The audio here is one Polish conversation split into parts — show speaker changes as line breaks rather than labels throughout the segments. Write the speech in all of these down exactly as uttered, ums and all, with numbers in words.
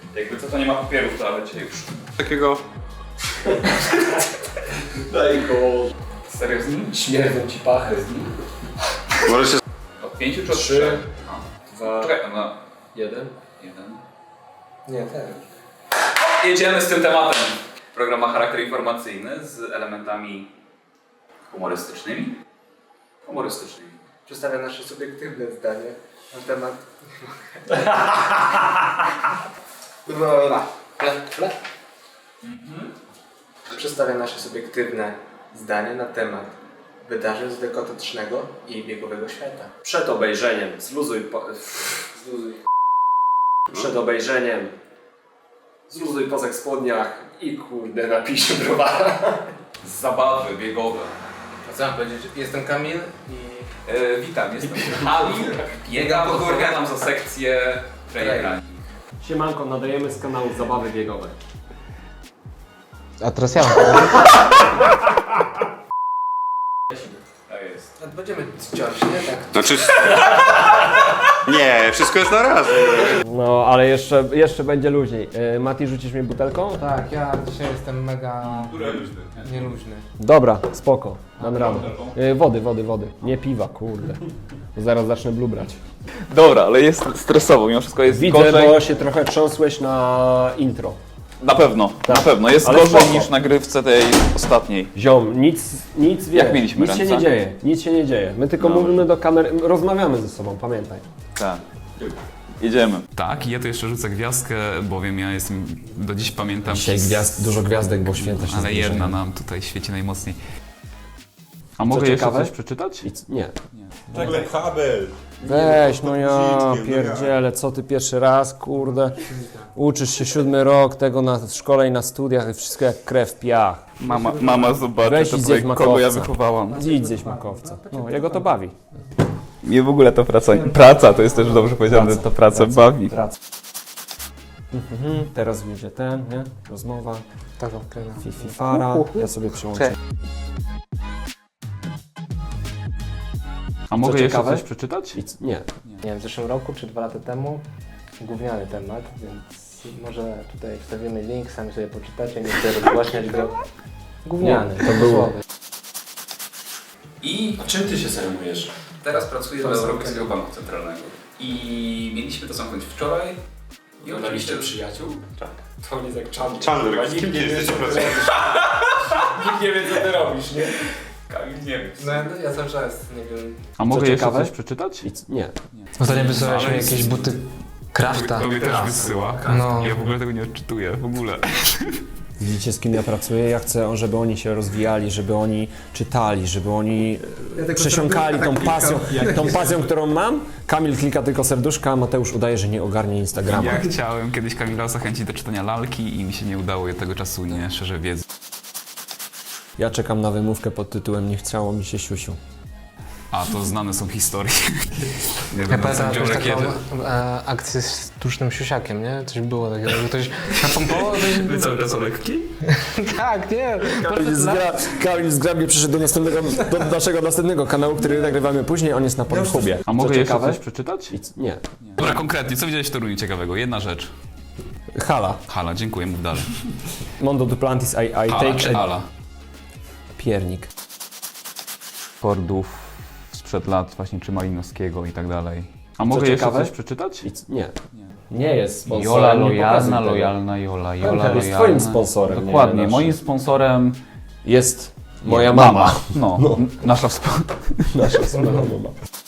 Jakby co, to nie ma papierów w toalecie już. Takiego...
Daj go.
Serio z nim?
Śmierdzą ci pachy z nim.
Może się... Od pięciu czy od
Trzy.
trzech?
Dwa.
Czekaj, no.
Jeden.
Jeden.
Nie, ten.
Jedziemy z tym tematem. Program ma charakter informacyjny z elementami humorystycznymi. Humorystycznymi.
Przedstawia nasze subiektywne zdanie na temat... Rola. Fle, fle.
Mhm.
Przedstawia nasze subiektywne zdanie na temat wydarzeń z dekotycznego i biegowego świata. Przed obejrzeniem, zluzuj po... Zluzuj. Przed obejrzeniem, zluzuj po spodniach i kurde napisz browara.
Z zabawy biegowe.
A co mam powiedzieć? Jestem Kamil i...
E, witam, jestem Kamil. Biegam, odpowiadam za sekcję trail running.
Siemanko, nadajemy z kanału Zabawy Biegowe.
A teraz ja mam
Tak jest.
No, będziemy ciąć, nie? Tak.
Znaczy... Nie, wszystko jest na raz.
No, ale jeszcze, jeszcze będzie luźniej. Yy, Mati, rzucisz mnie butelką?
Tak, ja dzisiaj jestem mega
Które luźny?
nieluźny.
Dobra, spoko, dam radę. Yy, wody, wody, wody. Nie piwa, kurde. Bo zaraz zacznę blubrać.
Dobra, ale jest stresowo, mimo wszystko jest
Widzę,
gorzej.
bo się trochę trząsłeś na intro.
Na pewno,
Tak.
na pewno. Jest
Ale
gorzej
spoko.
niż na grywce tej ostatniej.
Ziom, nic, nic wiesz,
Jak mieliśmy
nic się
ręce?
nie dzieje, nic się nie dzieje. My tylko
Dobrze.
mówimy do kamery, rozmawiamy ze sobą, pamiętaj.
Tak. Jedziemy.
Tak, i ja tu jeszcze rzucę gwiazdkę, bowiem ja jestem, do dziś pamiętam...
Dzisiaj
przez-
gwiazd, dużo gwiazdek, bo święta się
Ale
zbliżają.
jedna nam tutaj świeci najmocniej. A mogę
Co
jeszcze
ciekawe?
coś przeczytać?
I c- Nie.
Czekaj, Habel.
Weź, no ja
Guziczkiem, no ja.
pierdzielę, co ty pierwszy raz, kurde. Uczysz się siódmy rok tego na w szkole i na studiach i wszystko jak krew, piach.
Mama, mama zobaczy,
Weź
to
i zjedz
powie, kogo ja
makowca.
wychowałam.
Idź zjeść makowca. No, jego to bawi.
Mnie w ogóle to praca, praca to jest też dobrze powiedziane, to praca bawi.
Praca. Mhm, teraz wyjdzie ten, nie? Rozmowa.
Tak, okej. no.
Fifi Fara. Ja sobie przyłączę.
A mogę jeszcze
ciekawe?
coś przeczytać?
I c- Nie.
Nie wiem, w zeszłym roku czy dwa lata temu gówniany temat, więc może tutaj wstawimy link, sami sobie poczytacie, nie chcę rozgłaśniać go. Gówniany,
Nie, to było-
I
A czym ty się zajmujesz?
teraz pracuję
To
dla
jest
Europejskiego Banku Centralnego. I mieliśmy to zamknąć wczoraj. I
Na liście
oczywiście...
przyjaciół? Tak. To on jest jak Chandler.
Chandler,
Nikt
z kim
nie
ty
wie,
jesteś
co ty
pracujesz?
robisz. Nikt nie wie, co ty robisz, nie?
Kamil nie wiem.
No ja, ja cały czas, nie wiem.
A mogę jeszcze
ciekawe?
coś przeczytać?
I c- Nie.
Ostatnio wysłałeś
Ale
mi
jest-
jakieś buty Krafta.
To mnie też wysyła.
No.
Ja w ogóle tego nie odczytuję, w ogóle.
Widzicie, z kim ja pracuję? Ja chcę, żeby oni się rozwijali, żeby oni czytali, żeby oni e, przesiąkali tą pasją, tą pasją, którą mam. Kamil klika tylko serduszka, a Mateusz udaje, że nie ogarnie Instagrama.
Ja chciałem kiedyś Kamila zachęcić do czytania lalki i mi się nie udało, ja tego czasu nie szerzę wiedzy.
Ja czekam na wymówkę pod tytułem Nie chciało mi się siusiu.
A to znane są historie. Nie
Ja
wiem,
pamiętam
co
jakąś
kiedy.
taką e, akcję z sztucznym siusiakiem, nie? Coś było takiego, że ktoś napompował, ktoś...
Cały czas o lekki?
Tak, nie.
Kamil zgra, Kamil zgrabnie przyszedł do, następnego, do naszego następnego kanału, który nagrywamy później, on jest na Pornhubie.
A mogę
Co
jeszcze
ciekawe?
coś przeczytać?
I c- Nie.
Dobra, konkretnie, co widziałeś w Toruniu ciekawego? Jedna rzecz.
Hala.
Hala, dziękuję, mów dalej.
Mondo Duplantis, I, I
Hala
take
czy
a
Ala?
piernik.
Fordów sprzed lat właśnie, czy Malinowskiego i tak dalej. A mogę jeszcze
ciekawe?
coś przeczytać?
I c- Nie. Nie jest sponsorem.
Jola
nie
lojalna,
pokazuj tego.
lojalna Jola, Jola
jest
lojalna.
twoim sponsorem, nie
Dokładnie,
naszym.
moim sponsorem
Jest moja mama.
No, n- nasza wspólna.
Nasza wspólna mama.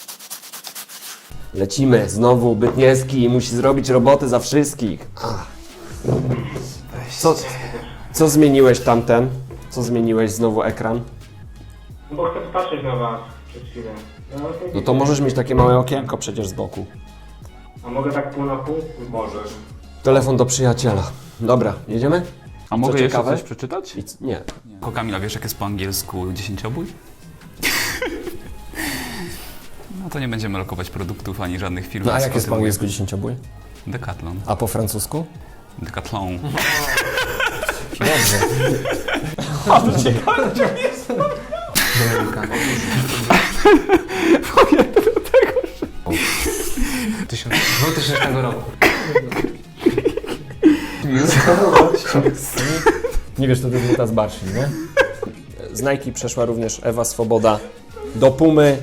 Lecimy, znowu Bytniewski musi zrobić roboty za wszystkich. Ach. Co, co zmieniłeś tamten? Co zmieniłeś znowu ekran?
No bo chcę patrzeć na was przez chwilę. No,
No to możesz mieć takie małe okienko przecież z boku.
A mogę tak pół na pół?
Możesz.
Telefon do przyjaciela. Dobra, jedziemy?
A mogę jeszcze
ciekawe?
coś przeczytać?
I c- nie.
Ko Kamila, wiesz jak jest po angielsku dziesięciobój? No to nie będziemy lokować produktów ani żadnych firm.
No a jak jest po
Spotywuję.
angielsku dziesięciobój?
Decathlon.
A po francusku?
Decathlon.
Dobrze.
dwutysięcznego roku.
Nie wiesz, to jest buta z barszcz, nie? Z Nike przeszła również Ewa Swoboda. Do Pumy.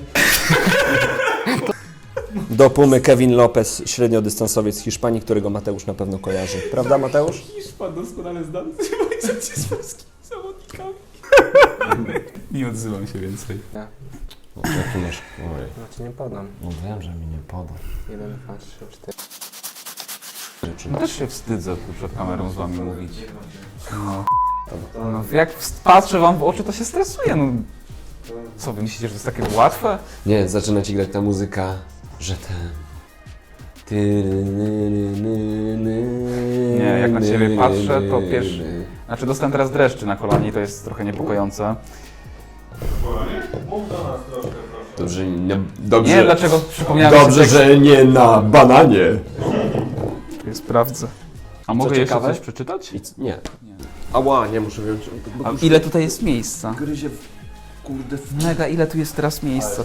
Do Pumy Kevin Lopez, średniodystansowiec z Hiszpanii, którego Mateusz na pewno kojarzy. Prawda, Mateusz?
Hiszpan doskonale znany z rywalizacji z polskimi zawodnikami. Nie odzywam się więcej.
O, jaki masz? Oj.
No ci nie podam.
No wiem, że mi nie poda.
Jeden, dwa, trzy, cztery.
No też się wstydzę tu przed kamerą z wami mówić. No. No, jak patrzę wam w oczy, to się stresuję. No. Co, wy myślicie, że to jest takie łatwe?
Nie, zaczyna ci grać ta muzyka, że ten...
Nie, jak na ciebie patrzę, to pierwszy... Znaczy dostałem teraz dreszczy na kolanie i to jest trochę niepokojące.
Dobrze, nie, dobrze,
Nie, dlaczego przypomniałem
dobrze,
sobie
że nie na bananie.
tekst. Sprawdzę. A mogę jeszcze
ciekawe?
coś przeczytać?
I c- nie. Ała, nie muszę wziąć.
A ile tutaj jest miejsca?
Gryzie w... Kurde w...
Mega, ile tu jest teraz miejsca?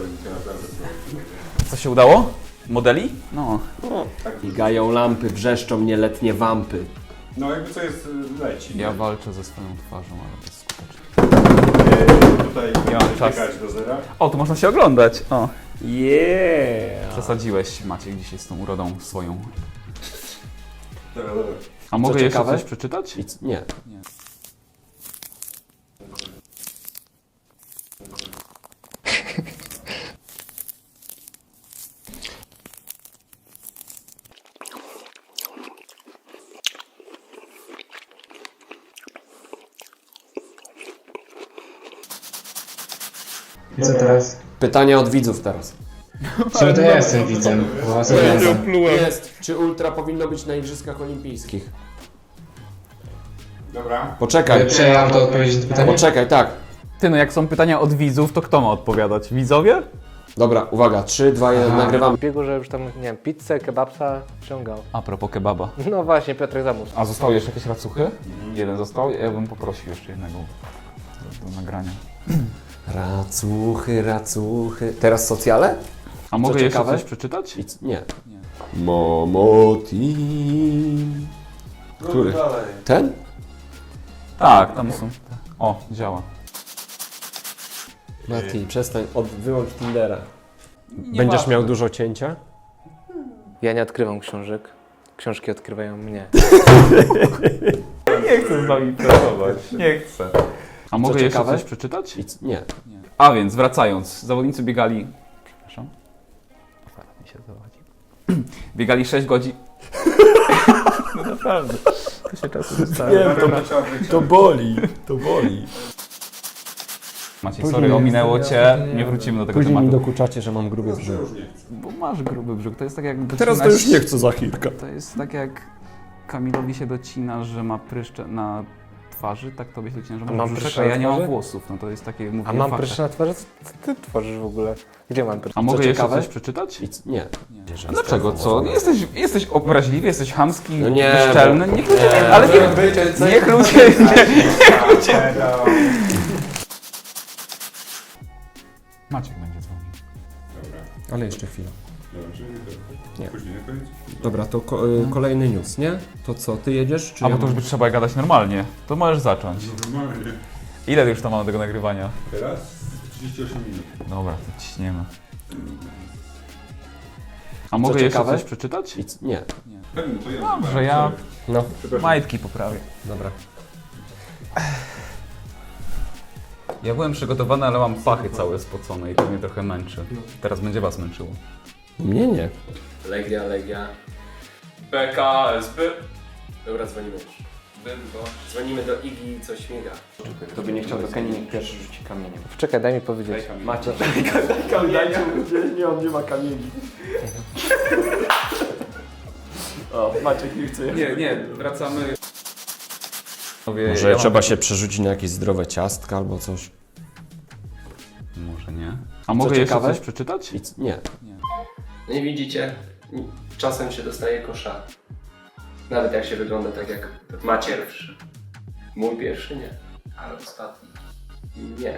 Co się udało? Modeli? No.
Migają lampy, wrzeszczą nieletnie wampy.
No jakby co jest, leci.
Ja walczę ze swoją twarzą, ale bezskutecznie.
Yy, tutaj
Ja mam czas.
biegać do zera.
O, tu można się oglądać. O.
Yeah!
Przesadziłeś, Maciek, dzisiaj z tą urodą swoją.
Dobra, dobra.
A mogę jeszcze
ciekawe?
coś przeczytać?
I c- nie.
Nie.
Co teraz?
Pytania od widzów teraz.
Czemu to ja jestem widzem? Bo was oglądam.
Jest. Czy ultra powinno być na Igrzyskach Olimpijskich?
Dobra.
Poczekaj.
Czy ja mam to odpowiedzieć na to pytanie?
Poczekaj, tak.
Ty, no jak są pytania od widzów, to kto ma odpowiadać? Widzowie?
Dobra, uwaga. trzy, dwa, jeden, nagrywamy.
W biegu, że już tam, nie wiem, pizzę, kebabsa wciągał.
A propos kebaba.
No właśnie, Piotrek zamów.
A zostały jeszcze jakieś racuchy? Jeden został? Ja bym poprosił jeszcze jednego do, do nagrania.
Racuchy, racuchy. Teraz socjale?
A mogę jeszcze
ciekawe?
coś przeczytać?
I c- nie.
Nie.
Momo Team. Który? Ten?
Tak, tam są. O, działa.
Mati, przestań. Od, wyłącz Tindera. Będziesz miał dużo cięcia?
Ja nie odkrywam książek. Książki odkrywają mnie.
Nie chcę z wami pracować. Nie chcę. A mogę jeszcze
ciekawe?
coś przeczytać?
I c- nie.
A więc, wracając. Zawodnicy biegali... Przepraszam. Aparat mi się zawadzi. Biegali sześć godzin... No naprawdę. To się czasu zostało.
To boli, to boli.
Maciej, sorry, ominęło cię. Nie wrócimy do tego
Później mi
tematu.
dokuczacie, że mam gruby brzuch.
Bo masz gruby brzuch. To jest tak jak...
Teraz to
docinać-
już nie chcę za chwilkę.
To jest tak jak Kamilowi się docina, że ma pryszcze na twarzy, tak tobie się docina, że
A
masz
mam
brzuszek,
pryszcze
a
na
ja nie mam
twarzy?
włosów. No to jest takie mówienie
A mam
faktach.
pryszcze na twarzy? Co ty tworzysz w ogóle? Gdzie mam pryszcze?
A mogę jeszcze
ciekawe?
coś przeczytać?
I c- nie.
Nie.
Że
A dlaczego? Co? Jesteś, jesteś obraźliwy, jesteś chamski,
No nie,
bezczelny.
bo-
Niech ludzie,
nie,
ale
bo-
niech, niech ludzie... Niech ludzie... Maciek będzie dzwonił.
Ale jeszcze chwilę.
Dobra, czyli to
Nie.
później na koniec?
Dobra, to ko- y, kolejny news, nie? To co, ty jedziesz, czy
A
ja
bo to już
mam?
by trzeba gadać normalnie. To możesz zacząć.
Normalnie.
Ile już tam mamy tego nagrywania?
Teraz trzydzieści osiem minut.
Dobra, to ciśniemy. A mogę jeszcze
ciekawe?
coś przeczytać?
I c- nie.
Pewnie, to ja.
Dobrze, ja
No,
majtki poprawię.
dobra.
Ja byłem przygotowany, ale mam pachy całe spocone i to mnie trochę męczy. Teraz będzie was męczyło.
Mnie nie.
Legia, Legia.
P K S B.
Dobra, dzwonimy już. Dzwonimy do Igi, co śmiga.
Kto by nie chciał, to Kenny pierwszy rzuci kamieniem.
Czekaj, daj mi powiedzieć.
Macie. Dajcie mu, nie, on nie ma kamieni. O, Maciek nie chce.
Nie, nie, wracamy.
Może
ja mam-
trzeba się przerzucić na jakieś zdrowe ciastka albo coś.
Może nie. A mogę jeszcze
ciekawe?
coś przeczytać?
I c- nie.
No i widzicie, czasem się dostaje kosza. Nawet jak się wygląda tak jak ma pierwszy. Mój pierwszy nie, ale ostatni nie.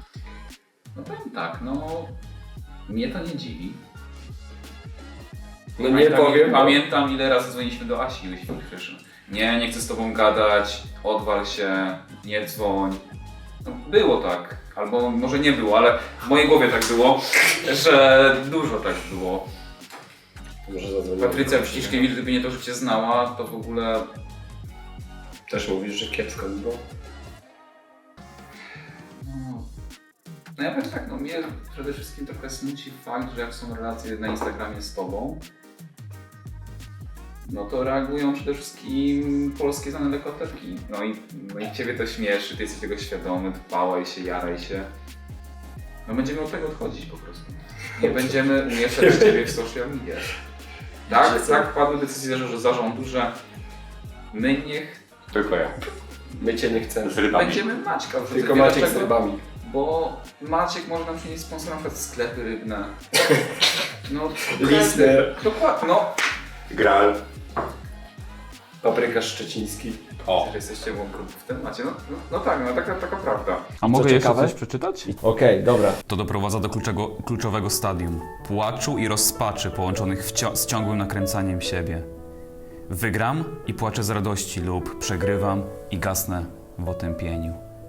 No powiem tak, no mnie to nie dziwi.
No nie
Pamiętam,
powiem.
Pamiętam ile razy dzwoniliśmy do Asi, jeśli Kryszyn. Nie, nie chcę z tobą gadać, odwal się, nie dzwoń. No, było tak, albo może nie było, ale w mojej głowie tak było, że dużo tak było.
Może zadzwonię.
Patrycja Pściszkiewicz, gdyby nie to, że cię znała, to w ogóle...
Też mówisz, że kiepsko by było?
No, no ja powiem tak, no mnie przede wszystkim trochę smuci fakt, że jak są relacje na Instagramie z tobą, no to reagują przede wszystkim polskie znane lekkoatletki. No i, no i ciebie to śmieszy, ty jesteś tego świadomy, dbałaj się, jaraj się. No będziemy od tego odchodzić po prostu. Nie będziemy umieszczać ciebie w social media. Tak, tak padły decyzje że zarządu, że my niech
Tylko ja.
My cię nie chcemy.
Z rybami.
będziemy Maćka wrzucać.
Tylko
Wie
Maciek z
dlaczego?
rybami.
Bo Maciek może nam przynieść sponsor na przykład sklepy rybne. No,
Listy.
Dokładnie, no.
Gral.
Paprykarz szczeciński.
O.
Że jesteście w w temacie. No, no, no tak, no taka, taka prawda.
A mogę jeszcze
ciekawe?
coś przeczytać?
Okej, dobra.
To doprowadza do kluczego, kluczowego stadium płaczu i rozpaczy połączonych wcio- z ciągłym nakręcaniem siebie. Wygram i płaczę z radości lub przegrywam i gasnę w otępieniu.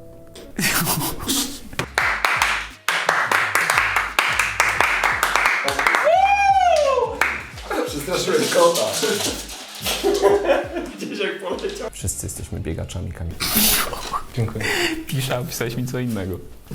Przestraszyłem kota. Gdzieś jak poleciał.
Wszyscy jesteśmy biegaczami, Kamil.
Dziękuję.
Pisze, a pisałeś mi co innego.